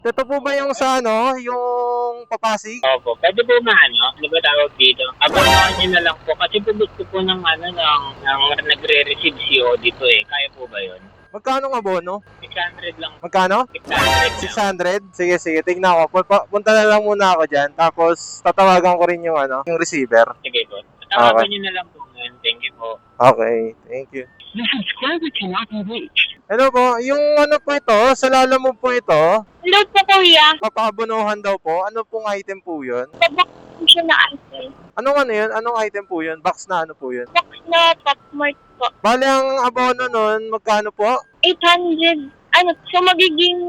Ito po ba yung sa ano, yung Papasig? Opo, pwede po ano ba tawag dito? Abangan nyo na lang po kasi po gusto po ng nagre-receive CO dito eh. Kaya po ba yun? Magkano ang abono? 600 lang. Magkano? 600 lang. 600? Sige, sige. Tignan ko. Punta na lang muna ako dyan. Tapos, tatawagan ko rin yung ano, yung receiver. Sige po. Tawagan nyo na lang po ngayon. Thank you po. Okay. Thank you. The subscriber cannot be reached. Hello po. Yung ano po ito, sa Lalamove po ito, Hello po, kuya. papaabonohan daw po. Ano pong item po yun? Tabak po siya na item. Anong ano yun? Anong item po yun? Box na ano po yun? Box na top mark po. Bale, ang abono nun, magkano po? 800. So magiging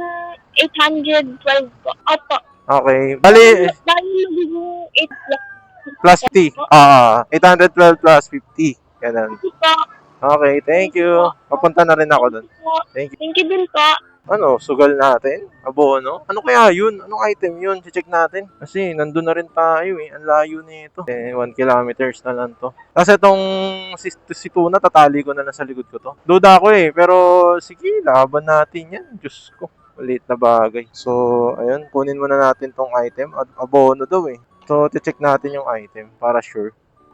812 po. Opo. Okay. Bali, Dahil magiging 8 plus. plus 50. 812 plus 50. Ganun. Po. Okay, thank you. Papunta na rin ako dun. Thank you. Thank you din po. Ano, sugal natin? Abono? Ano kaya yun? Anong item yun? Check natin. Kasi nandun na rin tayo eh. Ang layo nito. 1 kilometers na lang to. Kasi itong si Tuna, tatali ko na lang sa likod ko to. Duda ako eh. Pero sige, laban natin yan. Diyos ko. Maliit na bagay. So, ayun. Kunin muna natin tong item. Abono daw eh. So, check natin yung item para sure.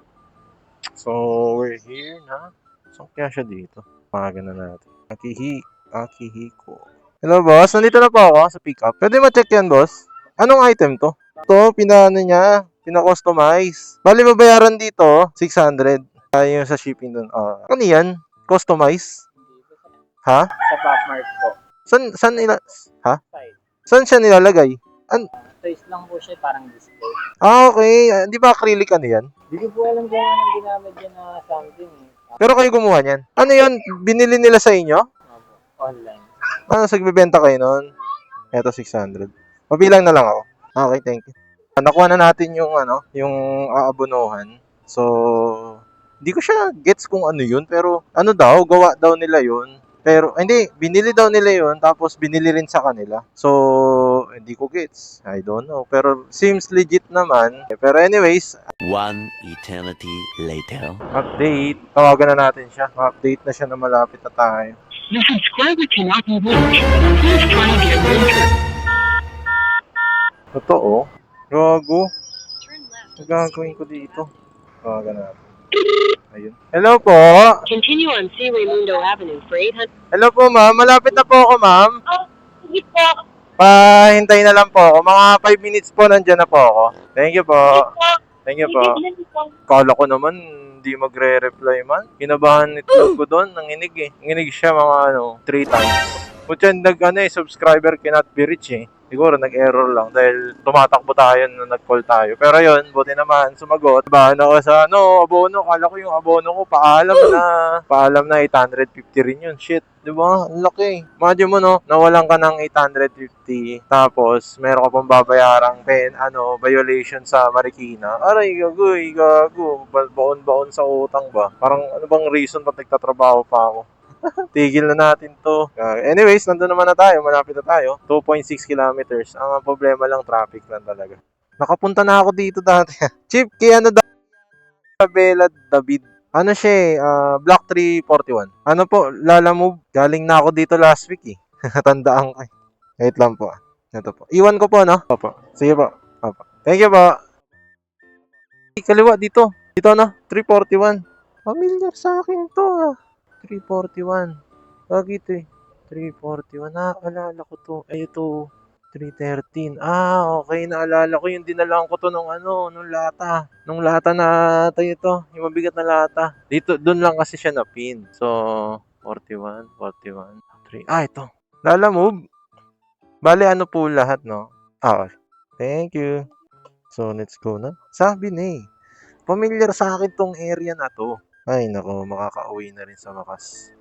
So, we're here na. So, kaya siya dito. Pagagan na natin. Akihiko. Hello, boss. Nandito na po ako sa pickup. Pwede ma-check yan, boss? Anong item to? Ito, pina-customize. Bali, babayaran dito, 600. Yung sa shipping dun. Ano yan? Customize? Ha? Sa top mark po. Ha? Side. Saan siya nilalagay? Size lang po siya, parang display. Okay. Di ba acrylic ano yan? Hindi ko po alam kung anong ginamit dyan na something eh. Pero kayo gumawa niyan. Ano yan? Binili nila sa inyo? Opo, online. Nagbebenta kayo nun? Eto, 600. Pabilang na lang ako. Okay, thank you. Nakuha na natin yung yung aabonohan. So, hindi ko siya gets kung ano yun, pero ano daw, gawa daw nila yun. Pero, hindi, binili daw nila yun, tapos binili rin sa kanila. So, hindi ko gets. I don't know. Pero, seems legit naman. Pero anyways, One eternity later. update. Tawagan na natin siya. Update na siya na malapit na tayo. The subscriber cannot be reached. Please try again later. Totoo. Gago. Ang gagawin ko dito. Tawagan natin. Ayun. Hello po. Continue on C. Raimundo Avenue for 800. Hello po, ma'am. Malapit na po ako, ma'am. Sige po. Pahintay na lang po ako. Mga 5 minutes po, nandyan na po ako. Thank you po. Thank you po. Sige din po. Kala ko naman, hindi magre-reply man. Kinabahan itlog ko doon, nanginig eh. Nanginig siya mga 3 times. Kutya, subscriber cannot be reached eh. Siguro nag-error lang dahil tumatakbo tayo na nag-call tayo. Pero yun, buti naman, sumagot. Bahan ako sa abono. Kala ko yung abono ko, paalam na 850 rin yun. Shit, di ba? Ang laki. Imagine mo nawalan ka ng 850. Tapos, meron ka pang babayarang violation sa Marikina. Aray, gago. Baon-baon sa utang ba? Parang ano bang reason ba't nagtatrabaho pa ako? Tigil na natin to. Anyways, nandun naman na tayo. Malapit na tayo. 2.6 kilometers. Ang problema lang, traffic lang talaga. Nakapunta na ako dito dati. Chief, kaya Bella David. Ano siya Block 341. Ano po, Lalamove. Galing na ako dito last week eh. Tandaan ko eh. Wait lang po. Ito po. Iwan ko po, no? Opo. Sige po. Opo. Thank you po. Kaliwa dito. Dito 341. Familiar sa akin to 341. Bakit eh? 341. Naalala ko to. Ay, ito. 313. Okay. Naalala ko yung dinalaan ko to nung lata. Nung lata na ito. Yung mabigat na lata. Dito, dun lang kasi siya na-pin. So, 41, 3. Ito. Lalamove. Bale, po lahat, no? Thank you. So, let's go na. Sabi na eh. Familiar sa akin tong area na to. Ay, nako, makakauwi na rin sa wakas.